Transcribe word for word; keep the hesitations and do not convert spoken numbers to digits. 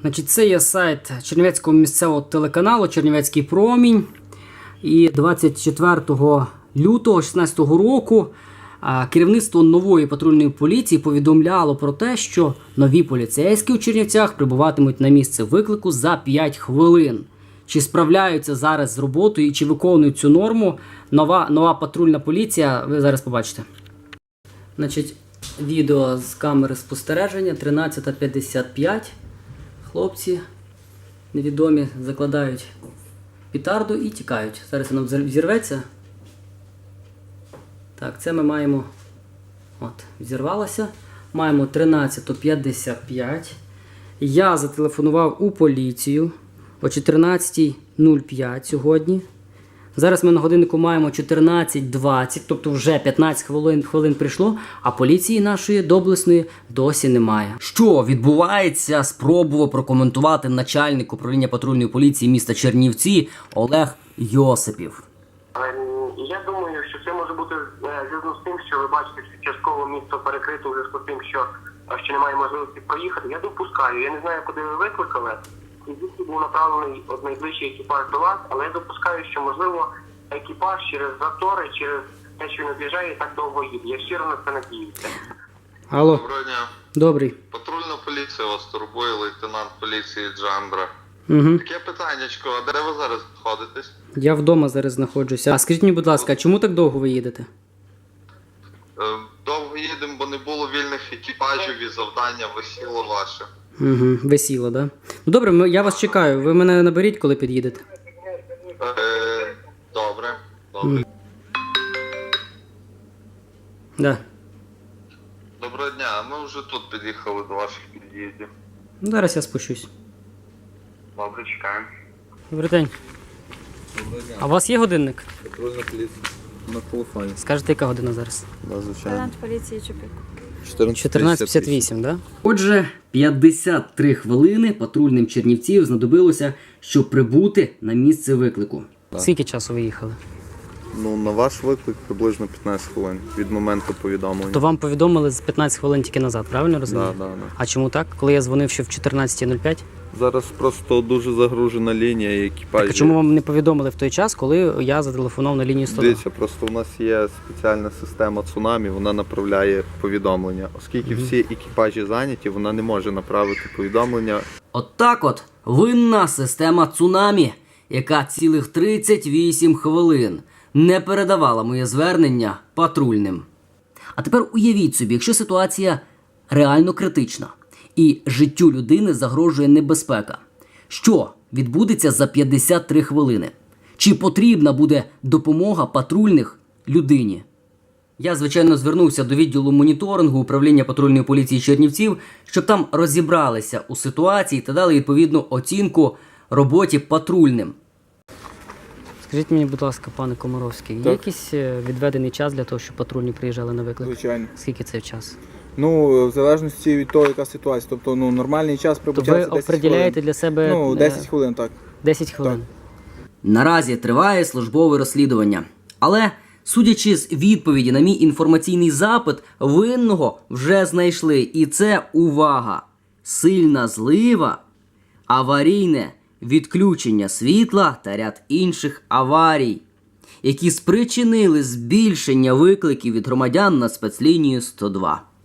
Значить, це є сайт Чернівецького місцевого телеканалу «Чернівецький промінь». І двадцять четвертого лютого дві тисячі шістнадцятого року керівництво нової патрульної поліції повідомляло про те, що нові поліцейські у Чернівцях прибуватимуть на місце виклику за п'ять хвилин. Чи справляються зараз з роботою і чи виконують цю норму нова, нова патрульна поліція, ви зараз побачите. Значить, відео з камери спостереження, тринадцята п'ятдесят п'ять. Хлопці невідомі закладають петарду і тікають. Зараз воно взірветься. Так, це ми маємо, от, взірвалося. Маємо тринадцята п'ятдесят п'ять. Я зателефонував у поліцію о чотирнадцята нуль п'ять сьогодні. Зараз ми на годиннику маємо чотирнадцять двадцять, тобто вже п'ятнадцять хвилин, хвилин прийшло, а поліції нашої доблесної досі немає. Що відбувається, спробував прокоментувати начальник управління патрульної поліції міста Чернівці Олег Йосипів. Я думаю, що це може бути зв'язано з тим, що ви бачите, що частково місто перекрито у зв'язку з тим, що, що немає можливості проїхати. Я допускаю, я не знаю, куди ви викликали. І звідки був направлений от найближчий екіпаж до вас, але я допускаю, що, можливо, екіпаж через затори, через те, що він об'їжджає, так довго їде. Я щиро на це надіюся. Алло. Доброго дня. Добрий. Патрульна поліція вас турбує, лейтенант поліції Джамбра. Угу. Таке питаннячко, а де ви зараз знаходитесь? Я вдома зараз знаходжуся. А скажіть мені, будь ласка, а чому так довго ви їдете? Е, Довго їдемо, бо не було вільних екіпажів і завдання висіло ваше. Угу, весіло, да? Ну добре, ми- я вас чекаю. Ви мене наберіть, коли під'їдете. Е, Добре, добре. Да. Доброго дня, ми вже тут під'їхали до ваших під'їздів. Ну, зараз я спущусь. Добре, чекаємо. Добрий день. Доброго дня. А у вас є годинник? Патрульна поліція. На телефоні. Скажете, яка година зараз? Да, звичайно. Лейтенант поліції Чупик. чотирнадцята п'ятдесят вісім, да? Отже, п'ятдесят три хвилини патрульним чернівців знадобилося, щоб прибути на місце виклику. Так. Скільки часу ви їхали? Ну, на ваш виклик приблизно п'ятнадцять хвилин від моменту повідомлення. То вам повідомили з п'ятнадцять хвилин тільки назад, правильно розумію? Да, да, да. А чому так? Коли я дзвонив ще в чотирнадцята нуль п'ять? Зараз просто дуже загружена лінія і екіпажі. А чому вам не повідомили в той час, коли я зателефонував на лінію сто два? Дивіться, просто у нас є спеціальна система цунамі, вона направляє повідомлення. Оскільки Мгм. всі екіпажі зайняті, вона не може направити повідомлення. От так от винна система цунамі, яка цілих тридцять вісім хвилин не передавала моє звернення патрульним. А тепер уявіть собі, якщо ситуація реально критична і життю людини загрожує небезпека. Що відбудеться за п'ятдесят три хвилини? Чи потрібна буде допомога патрульних людині? Я, звичайно, звернувся до відділу моніторингу управління патрульної поліції Чернівців, щоб там розібралися у ситуації та дали відповідну оцінку роботі патрульним. Скажіть мені, будь ласка, пане Комаровський, є Так. якийсь е, відведений час для того, щоб патрульні приїжджали на виклик? Звичайно. Скільки це час? Ну, в залежності від того, яка ситуація. Тобто, ну, нормальний час То прибуття ви це десять определяєте хвилин. для себе Ну, е, десять хвилин, так. десять хвилин? Так. Наразі триває службове розслідування. Але, судячи з відповіді на мій інформаційний запит, винного вже знайшли. І це, увага, сильна злива, аварійне відключення світла та ряд інших аварій, які спричинили збільшення викликів від громадян на спецлінію сто два.